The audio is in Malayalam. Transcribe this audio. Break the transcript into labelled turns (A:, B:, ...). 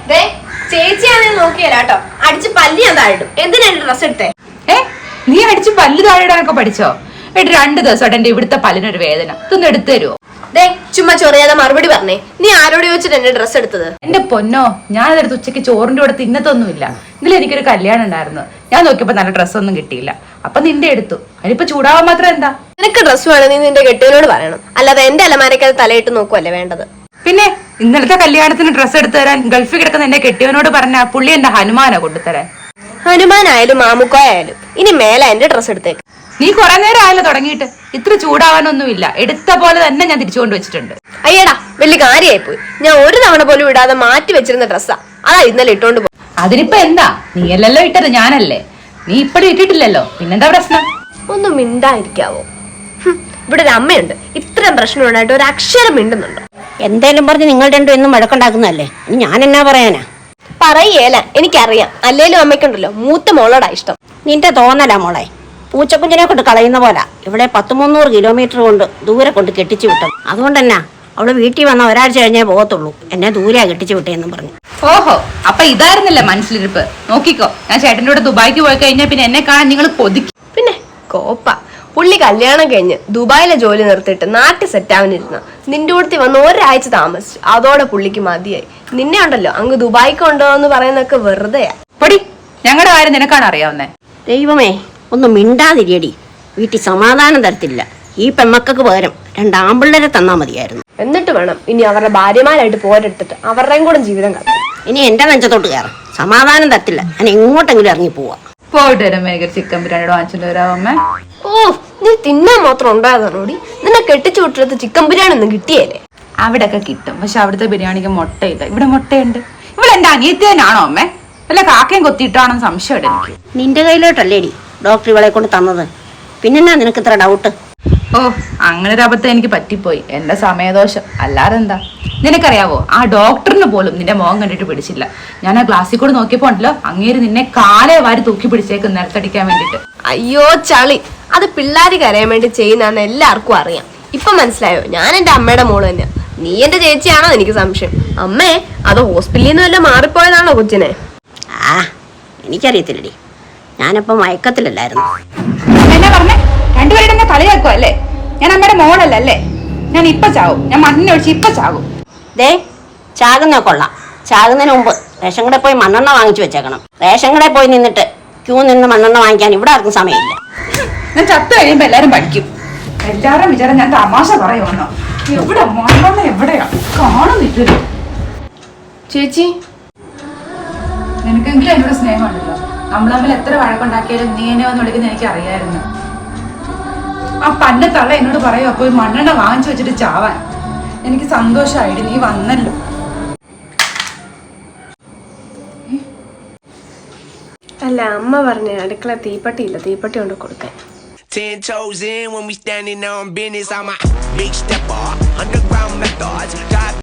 A: ചേച്ചിയാണെന്ന് നോക്കിയല്ലോ അടിച്ച് പല്ലി ഞാൻ താഴിടും. എന്തിനാ ഡ്രസ് എടുത്തേ?
B: നീ അടിച്ച് പല്ല് താഴിടാനൊക്കെ പഠിച്ചോ? 2 ദിവസമായിട്ട് എന്റെ ഇവിടുത്തെ പല്ലിനൊരു വേദന. ഇതൊന്ന് എടുത്തു തരുമോ?
A: ചുമ്മാ ചൊറിയാതെ മറുപടി പറഞ്ഞേ. നീ ആരോട് ചോദിച്ചിട്ട് എന്റെ ഡ്രസ് എടുത്തത്?
B: എന്റെ പൊന്നോ, ഞാനതെടുത്ത് ഉച്ചയ്ക്ക് ചോറിന്റെ കൂടെ തിന്നത്തൊന്നുമില്ല. ഇന്നലെ എനിക്കൊരു കല്യാണം ഉണ്ടായിരുന്നു. ഞാൻ നോക്കിയപ്പോ നല്ല ഡ്രസ്സൊന്നും കിട്ടിയില്ല. അപ്പൊ നിന്റെ എടുത്തു. അതിനിപ്പോ ചൂടാവാൻ മാത്രം എന്താ?
A: നിനക്ക് ഡ്രസ് വേണം, നീ നിന്റെ കെട്ടിയവനോട് പറയണം. അല്ലാതെ എന്റെ അലമാരക്കത് തലയിട്ട് നോക്കുവല്ലേ വേണ്ടത്.
B: പിന്നെ ഇന്നലത്തെ കല്യാണത്തിന് ഡ്രസ്സ് എടുത്തു തരാൻ ഗൾഫിൽ കിടക്കുന്ന എന്റെ കെട്ടിയവനോട് പറഞ്ഞ പുള്ളി എന്റെ ഹനുമാനോ കൊണ്ടുതരാൻ.
A: ഹനുമാനായാലും മാമുക്കോയാലും ഇനി മേലെ എന്റെ ഡ്രസ് എടുത്തേക്ക്.
B: നീ കുറെ നേരം ആയല്ലോ തുടങ്ങിയിട്ട്. ഇത്ര ചൂടാവാനൊന്നുമില്ല. എടുത്ത പോലെ തന്നെ ഞാൻ തിരിച്ചു കൊണ്ടുവച്ചിട്ടുണ്ട്.
A: അയ്യടാ, വലിയ കാര്യമായി പോയി. ഞാൻ ഒരു തവണ പോലും ഇടാതെ മാറ്റി വെച്ചിരുന്ന ഡ്രസ്സാ. അതാ ഇന്നലെ ഇട്ടോണ്ട് പോയി.
B: അതിനിപ്പോ എന്താ? നീയല്ലല്ലോ ഇട്ടത്, ഞാനല്ലേ. നീ ഇപ്പഴും ഇട്ടിട്ടില്ലല്ലോ, പിന്നെന്താ പ്രശ്നം?
A: ഒന്നും മിണ്ടായിരിക്കാവോ? ഇവിടെ ഒരു അമ്മയുണ്ട്, ഇത്രയും പ്രശ്നം ഉണ്ടായിട്ട് ഒരു അക്ഷരം മിണ്ടുന്നുണ്ടോ?
C: എന്തേലും പറഞ്ഞ് നിങ്ങൾ രണ്ടും എന്നും വഴക്കുണ്ടാക്കുന്നതല്ലേ. ഇനി ഞാൻ എന്നാ പറയാനാ?
A: പറയേല, എനിക്കറിയാം. അല്ലേലും അമ്മയ്ക്കുണ്ടല്ലോ മൂത്ത മോളോടാ ഇഷ്ടം.
C: നിന്റെ തോന്നലാ മോളെ. പൂച്ചക്കുഞ്ഞിനെ കൊണ്ട് കളയുന്ന പോലെ ഇവിടെ 100-300 കിലോമീറ്റർ കൊണ്ട് ദൂരെ കൊണ്ട് കെട്ടിച്ചു വിട്ടത്. അതുകൊണ്ടെന്നാ അവള് വീട്ടിൽ വന്ന ഒരാഴ്ച കഴിഞ്ഞേ പോകത്തുള്ളൂ. എന്നെ ദൂരെയാ കെട്ടിച്ചു വിട്ടേന്നും പറഞ്ഞു.
B: ഓഹോ, അപ്പൊ ഇതായിരുന്നില്ല മനസ്സിലിരിപ്പ്. നോക്കിക്കോ, ഞാൻ ചേട്ടൻ്റെ കൂടെ ദുബായിക്ക് പോയി കഴിഞ്ഞാൽ പിന്നെ എന്നെ കാണാൻ നിങ്ങൾ കൊതിക്കും.
A: പിന്നെ കോപ്പ പുള്ളി കല്യാണം കഴിഞ്ഞ് ദുബായിലെ ജോലി നിർത്തിയിട്ട് നാട്ടിൽ സെറ്റാവാനിരുന്ന നിന്റെ കൂടത്തി വന്ന് ഒരാഴ്ച താമസിച്ചു. അതോടെ പുള്ളിക്ക് മതിയായി. നിന്നെ ഉണ്ടല്ലോ അങ്ങ് ദുബായിക്ക് ഉണ്ടോ എന്ന് പറയുന്നൊക്കെ വെറുതെയാ.
B: പൊടി, ഞങ്ങളുടെ കാര്യം നിനക്കാണ് അറിയാവുന്നേ.
C: ദൈവമേ, ഒന്നും മിണ്ടാതിരിയടി. വീട്ടിൽ സമാധാനം തരത്തില്ല. ഈ പെമ്മക്കൾക്ക് പകരം 2 ആമ്പിള്ളേരെ തന്നാ മതിയായിരുന്നു.
A: എന്നിട്ട് വേണം ഇനി അവരുടെ ഭാര്യമാരായിട്ട് പോരെടുത്തിട്ട് അവരുടെയും കൂടെ ജീവിതം കളയാം.
C: ഇനി എന്റെ നെഞ്ചത്തോട്ട് കയറാം. സമാധാനം തരത്തില്ല. ഞാൻ എങ്ങോട്ടെങ്കിലും ഇറങ്ങി പോവാ.
B: പോയിട്ട് വരാം. മേഘർ ചിക്കൻ ബിരിയാണിയുടെ വാങ്ങിച്ചിട്ട് വരാമേ.
A: ഓ, നീ തിന്നാൻ മാത്രം ഉണ്ടായതാണോടി? നിന്നെ കെട്ടിച്ചു വിട്ടിടത്ത് ചിക്കൻ ബിരിയാണി ഒന്നും കിട്ടിയല്ലേ?
B: അവിടെയൊക്കെ കിട്ടും, പക്ഷെ അവിടുത്തെ ബിരിയാണിക്ക് മുട്ടയില്ല. ഇവിടെ മുട്ടയുണ്ട്. ഇവിടെ എന്റെ അനിയത്തി തന്നെയാണോ അമ്മേ? അല്ല കാക്കയും കൊത്തിയിട്ടാണോ സംശയം എനിക്ക്.
C: നിന്റെ കയ്യിലോട്ടല്ലേടി ഡോക്ടർ ഇവളെ കൊണ്ട് തന്നത്. പിന്നെന്നാ നിനക്ക് ഇത്ര ഡൗട്ട്?
B: ഓ, അങ്ങനെ ഒരു അബദ്ധം എനിക്ക് പറ്റിപ്പോയി. എന്റെ സമയദോഷം, അല്ലാതെ എന്താ. നിനക്കറിയാവോ, ആ ഡോക്ടറിന് പോലും നിന്റെ മുഖം കണ്ടിട്ട് പിടിച്ചില്ല. ഞാൻ ആ ക്ലാസ്സിൽ കൂടെ നോക്കിയപ്പോ ഉണ്ടല്ലോ, അങ്ങേര് നിന്നെ കാലേ വാരി തൂക്കി പിടിച്ചേക്ക് നിലത്തടിക്കാൻ വേണ്ടിട്ട്.
A: അയ്യോ ചളി, അത് പിള്ളേര് കരയാൻ വേണ്ടി ചെയ്യുന്നതെന്ന് എല്ലാവർക്കും അറിയാം. ഇപ്പൊ മനസ്സിലായോ? ഞാൻ എന്റെ അമ്മയുടെ മോള് തന്നെയാ. നീ എന്റെ ചേച്ചിയാണോ എനിക്ക് സംശയം. അമ്മേ, അത് ഹോസ്പിറ്റലിൽ നിന്ന് വല്ലതും മാറിപ്പോയതാണോ കൊച്ചിനെ?
C: ആ, എനിക്കറിയത്തില്ലടി. ഞാനിപ്പോ മയക്കത്തിലല്ലായിരുന്നു.
B: എന്നാ പറഞ്ഞേ? രണ്ടുപേരുടെ എന്നെ കളിയാക്കുക അല്ലേ? ഞാൻ അമ്മയുടെ മോളല്ലേ? ഞാൻ ഇപ്പൊ ചാവും. ഞാൻ മണ്ണിനൊഴിച്ച് ഇപ്പൊ ചാകും.
C: ദേ, ചാകുന്ന കൊള്ളാം. ചാകുന്നതിന് മുമ്പ് റേഷൻ കടയിൽ പോയി മണ്ണെണ്ണ വാങ്ങിച്ചു വെച്ചേക്കണം. റേഷൻ കടയിൽ പോയി നിന്നിട്ട് ക്യൂ നിന്ന് മണ്ണെണ്ണ വാങ്ങിക്കാൻ ഇവിടെ ആർക്കും സമയമില്ല.
B: ഞാൻ ചത്തു കഴിയുമ്പോ എല്ലാരും പഠിക്കും. എല്ലാരും വിചാരം ഞാൻ തമാശ പറയുവാണോ? എവിടെ മണ്ണെണ്ണ എവിടെയാ കാണുന്നില്ല.
A: ചേച്ചി,
B: നിനക്കെങ്കിലും എന്നോട് സ്നേഹമുണ്ടല്ലോ. നമ്മൾ തമ്മിൽ എത്ര വഴക്കുണ്ടാക്കിയാലും നീ എന്നെ വന്ന് വിളിക്കുന്ന എനിക്ക് അറിയായിരുന്നു. ആ പന്ന തള്ള എന്നോട് പറയോ പോയി മണ്ണെണ്ണ വാങ്ങിച്ചു വെച്ചിട്ട് ചാവാൻ. എനിക്ക് സന്തോഷമായിട്ട് നീ വന്നല്ലോ.
A: അല്ല, അമ്മ പറഞ്ഞ അടുക്കള തീപ്പട്ടിയില്ല, തീപ്പട്ടി കൊണ്ട് കൊടുക്കാൻ.
D: 10 toes in when we standing on business. I'm a big stepper, underground methods.